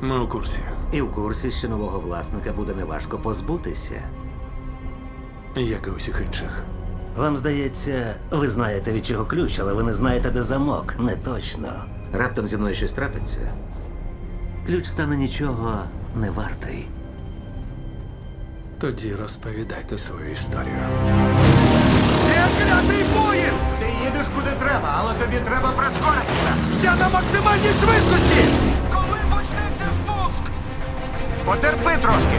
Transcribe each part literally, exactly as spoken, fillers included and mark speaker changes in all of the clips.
Speaker 1: Ми у курсі.
Speaker 2: І в курсі, що нового власника буде неважко позбутися.
Speaker 1: Як і усіх інших.
Speaker 2: Вам здається, ви знаєте, від чого ключ, але ви не знаєте, де замок. Не точно. Раптом зі мною щось трапиться. Ключ стане нічого не вартий.
Speaker 1: Тоді розповідайте свою історію.
Speaker 3: Де клятий поїзд? Ти їдеш куди треба, але тобі треба прискоритися. Я на максимальній швидкості! Коли почнеться спуск? Потерпи трошки.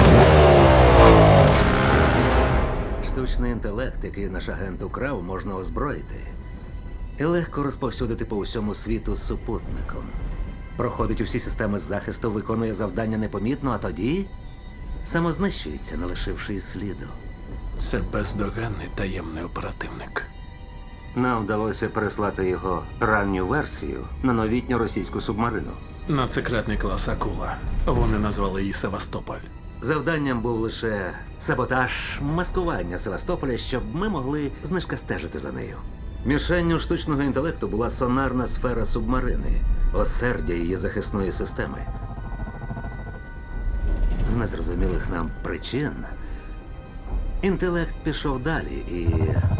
Speaker 2: Штучний інтелект, який наш агент украв, можна озброїти. І легко розповсюдити по всьому світу з супутником. Проходить усі системи захисту, виконує завдання непомітно, а тоді самознищується, не лишивши і сліду.
Speaker 1: Це бездоганний таємний оперативник.
Speaker 2: Нам вдалося переслати його ранню версію на новітню російську субмарину.
Speaker 1: Надсекретний клас Акула. Вони назвали її Севастополь.
Speaker 2: Завданням був лише саботаж, маскування Севастополя, щоб ми могли знишкастежити за нею. Мішенню штучного інтелекту була сонарна сфера субмарини, осердя її захисної системи. З незрозумілих нам причин інтелект пішов далі і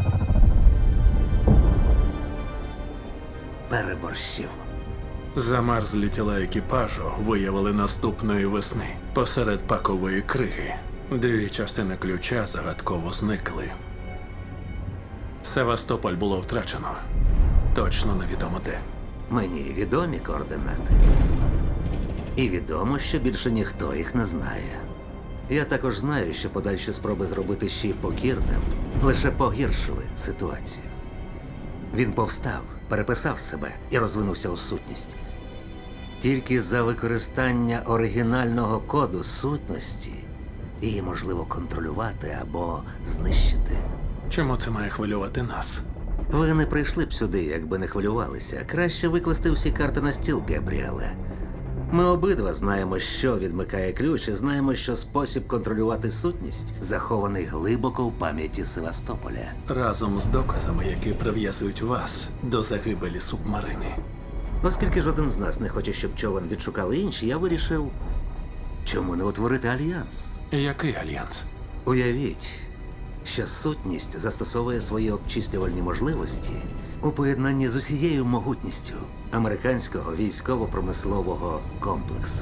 Speaker 2: переборщив.
Speaker 1: Замерзлі тіла екіпажу виявили наступної весни посеред пакової криги. Дві частини ключа загадково зникли. Севастополь було втрачено. Точно невідомо де.
Speaker 2: Мені відомі координати. І відомо, що більше ніхто їх не знає. Я також знаю, що подальші спроби зробити Ші покірним лише погіршили ситуацію. Він повстав, переписав себе і розвинувся у сутність. Тільки за використання оригінального коду сутності її можливо контролювати або знищити.
Speaker 1: Чому це має хвилювати нас?
Speaker 2: Ви не прийшли б сюди, якби не хвилювалися. Краще викласти всі карти на стіл, Габріеле. Ми обидва знаємо, що відмикає ключ, і знаємо, що спосіб контролювати сутність захований глибоко в пам'яті Севастополя.
Speaker 1: Разом з доказами, які прив'язують вас до загибелі субмарини.
Speaker 2: Оскільки жоден з нас не хоче, щоб човен відшукали інші, я вирішив, чому не утворити альянс.
Speaker 1: Який альянс?
Speaker 2: Уявіть, що сутність застосовує свої обчислювальні можливості у поєднанні з усією могутністю американського військово-промислового комплексу.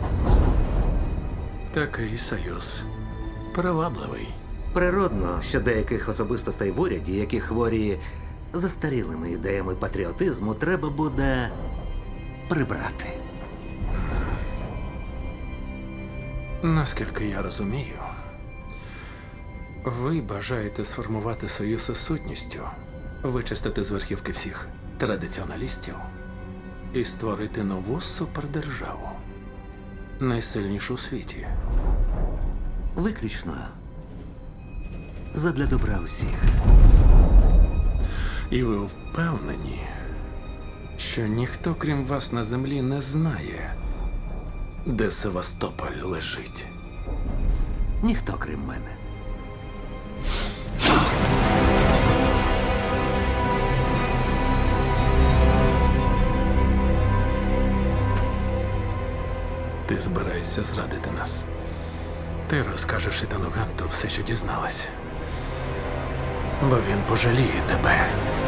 Speaker 1: Такий союз привабливий.
Speaker 2: Природно, що деяких особистостей в уряді, які хворі застарілими ідеями патріотизму, треба буде прибрати.
Speaker 1: Наскільки я розумію, ви бажаєте сформувати союз із сутністю, вичистити з верхівки всіх традиціоналістів і створити нову супердержаву, найсильнішу у світі.
Speaker 2: Виключно задля добра усіх.
Speaker 1: І ви впевнені, що ніхто, крім вас на землі, не знає, де Севастополь лежить.
Speaker 2: Ніхто, крім мене.
Speaker 1: Ти збираєшся зрадити нас. Ти розкажеш Ітану Ганту все, що дізналась. Бо він пожаліє тебе.